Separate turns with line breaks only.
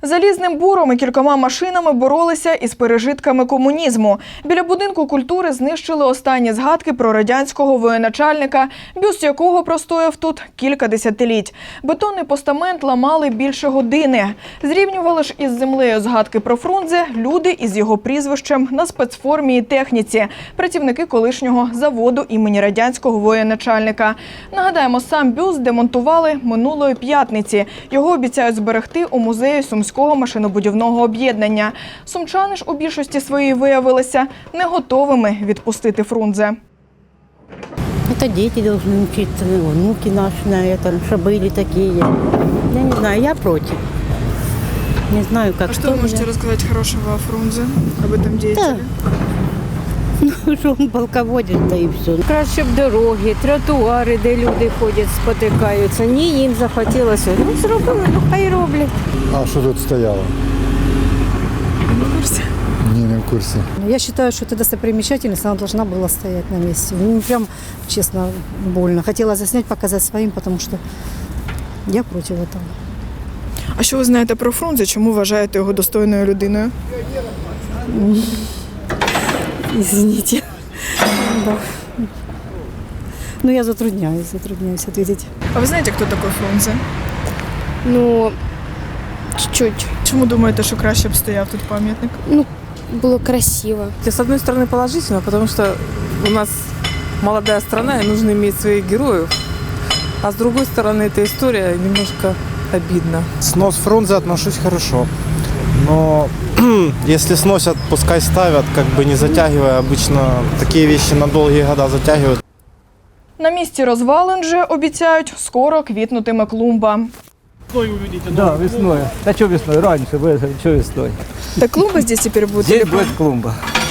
Залізним буром і кількома машинами боролися із пережитками комунізму. Біля будинку культури знищили останні згадки про радянського воєначальника, бюст якого простояв тут кілька десятиліть. Бетонний постамент ламали більше години. Зрівнювали ж із землею згадки про Фрунзе люди із його прізвищем на спецформі і техніці, працівники колишнього заводу імені радянського воєначальника. Нагадаємо, сам бюст демонтували минулої п'ятниці. Його обіцяють зберегти у музеї Сумського машинобудівного об'єднання. Сумчани ж у більшості своїй виявилися не готовими відпустити Фрунзе.
Это дети должны учиться, внуки наши на этом, что были такие. Я не знаю, я против. Не знаю, как.
А что вы можете рассказать хорошего о Фрунзе, об этом деятеле?
Ну, що він полководець, та і все.
Краще б дороги, тротуари, де люди ходять, спотикаються. Ні, їм захотілося. Ну, зробили, ну хай роблять.
А що тут стояло?
Не в курсе.
Не в курсе.
Я считаю, что эта достопримечательность, она должна была стоять на месте. Мне прям, честно, больно. Хотела заснять, показать своим, потому что я против этого.
А що ви знаєте про Фрунзе? Чому вважаєте його достойною людиною?
Извините. Да. Ну, я затрудняюсь ответить.
А ви знаєте, хто такий Фрунзе?
Ну, чуть-чуть.
Чому думаєте, що краще б стояв тут пам'ятник?
Ну, было красиво.
С одной стороны положительно, потому что у нас молодая страна и нужно иметь своих героев. А с другой стороны, эта история немножко обидна.
Снос Фрунзе отношусь хорошо. Но если сносят, пускай ставят, как бы не затягивая. Обычно такие вещи на долгие года затягивают.
На місці розвалин же, обіцяють, скоро квітнутиме клумба.
Да, весной. Да что весной? Раньше, что весной?
Так клумба здесь тепер буде?
Здесь будет клумба.